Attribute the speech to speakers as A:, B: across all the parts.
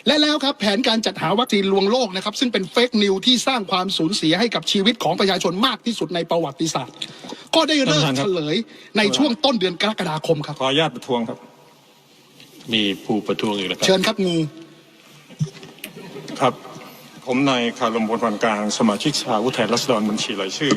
A: และแล้วครับแผนการจัดหาวัคซีนลวงโลกนะครับซึ่งเป็นเฟกนิวที่สร้างความสูญเสียให้กับชีวิตของประชาชนมากที่สุดในประวัติศาสตร์ก็ได้เริ่มเฉลยในช่วงต้นเดือนกรกฎาคมครับ
B: ขออนุญาตประท้วงครับ
C: มีผู้ประท้วงอีกแล้วครับ
A: เชิญครับงู
B: ครับผมนายคารม พลพันธ์กลางสมาชิกสภาผู้แทนราษฎรบัญชีรายชื่อ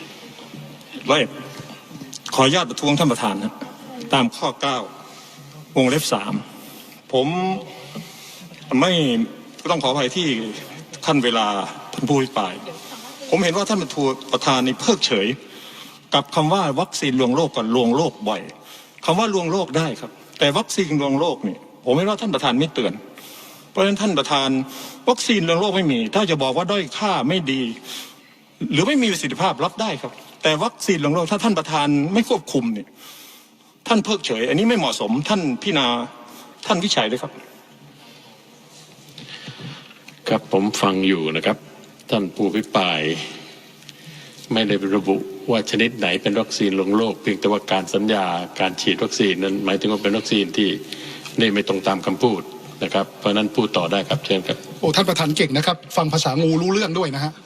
B: ขออนุญาตประท้วงท่านประธานนะตามข้อ 9 วงเล็บ 3ผมไม่ต้องขออภัยที่ท่านเวลาท่านผู้อภิปรายผมเห็นว่าท่านประธานนี่เพิกเฉยกับคำว่าวัคซีนลวงโลกกับลวงโลกบ่อยคำว่าลวงโลกได้ครับแต่วัคซีนลวงโลกนี่ผมเห็นว่าท่านประธานไม่เตือนเพราะฉะนั้นท่านประธานวัคซีนลวงโลกไม่มีถ้าจะบอกว่าด้อยค่าไม่ดีหรือไม่มีประสิทธิภาพรับได้ครับแต่วัคซีนลวงโลกถ้าท่านประธานไม่ควบคุมเนี่ยท่านเพิกเฉยอันนี้ไม่เหมาะสมท่านพิจารณาท่านวิจัยเลยครับ
C: ครับผมฟังอยู่นะครับท่านผู้อภิปรายไม่ได้ระบุว่าชนิดไหนเป็นวัคซีนลวงโลกเพียงแต่ว่าการสัญญาการฉีดวัคซีนนั้นหมายถึงว่าเป็นวัคซีนที่นี่ไม่ตรงตามคำพูดนะครับเพราะนั้นพูดต่อได้ครับเชิญครับ
A: โอ้ท่านประธานเก่งนะครับฟังภาษางูรู้เรื่องด้วยนะฮะ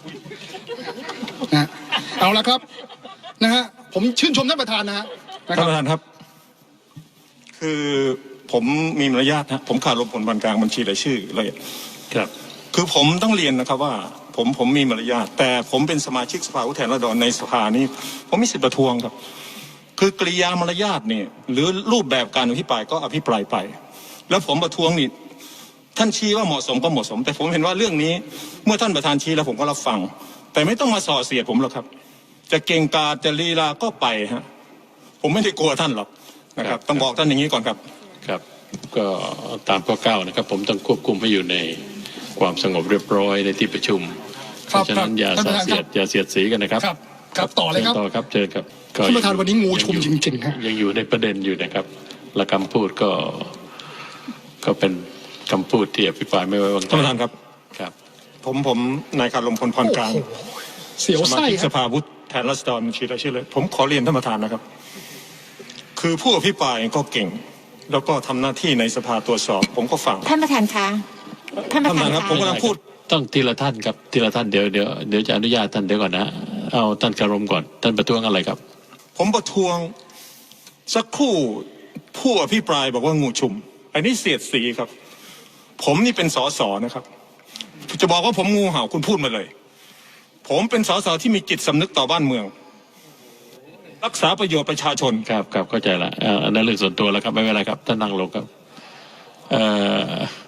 A: เอาละครับนะฮะผมชื่นชมท่านประธานนะฮะ
B: ท่านประธานครับคือผมมีมารยาทนะผมคารม พลพันธ์กลางบัญชีรายชื่อเลย
C: ครับ
B: คือผมต้องเรียนนะครับว่าผมมีมารยาทแต่ผมเป็นสมาชิกสภาผู้แทนราษฎรในสภานี้ผมมีสิทธิประท้วงครับคือกริยามารยาทเนี่ยหรือรูปแบบการอภิปรายก็อภิปรายไปแล้วผมประท้วงนี่ท่านชี้ว่าเหมาะสมก็เหมาะสมแต่ผมเห็นว่าเรื่องนี้เมื่อท่านประธานชี้แล้วผมก็รับฟังแต่ไม่ต้องมาส่อเสียดผมหรอกครับจะเก่งกาจจะลีลาก็ไปฮะผมไม่ได้กลัวท่านหรอกนะครับต้องบอกท่านอย่างนี้ก่อนครับ
C: ครับก็ตามข้อ 9นะครับผมต้องควบคุมให้อยู่ในความสงบเรียบร้อยในที่ประชุมเพราะฉะนั้นอย่าเสียดสีกันนะครับ
A: ครับต่อเลยครับ
C: ต่อครับเชิญครับ
A: ท่านประธานวันนี้งูชุมจริงๆฮะ
C: ยังอยู่ในประเด็นอยู่นะครับและคำพูดก็เป็นคำพูดที่อภิปรายไม่ไว้วางใจ
B: ท่านประธานครับ
C: ครับ
B: ผมนายคารม พลพันธ์กลาง
A: เสียวไส้
B: สภาผู้แทนราษฎรบัญชีรายชื่อเลยผมขอเรียนท่านประธานนะครับคือผู้อภิปรายก็เก่งแล้วก็ทำหน้าที่ในสภาตรวจสอบผมก็ฟัง
D: ท่านประธานคะท่านประธาน
B: ครับผมกำลังพูด
C: ต้องทีละท่านครับทีละท่านเดี๋ยวจะอนุญาตท่านเดี๋ยวก่อนนะเอาท่านคารมก่อนท่านประท้วงอะไรครับ
B: ผมประท้วงสักครู่ผู้อภิปรายบอกว่างูชุมอันนี้เสียดสีครับผมนี่เป็นสสนะครับจะบอกว่าผมงูเห่าคุณพูดมาเลยผมเป็นสสที่มีจิตสำนึกต่อบ้านเมืองรักษาประโยชน์ประชาชน
C: ครับเข้าใจละอันนั้นเรื่องส่วนตัวแล้วครับไม่เป็นไรครับท่านนั่งลงครับ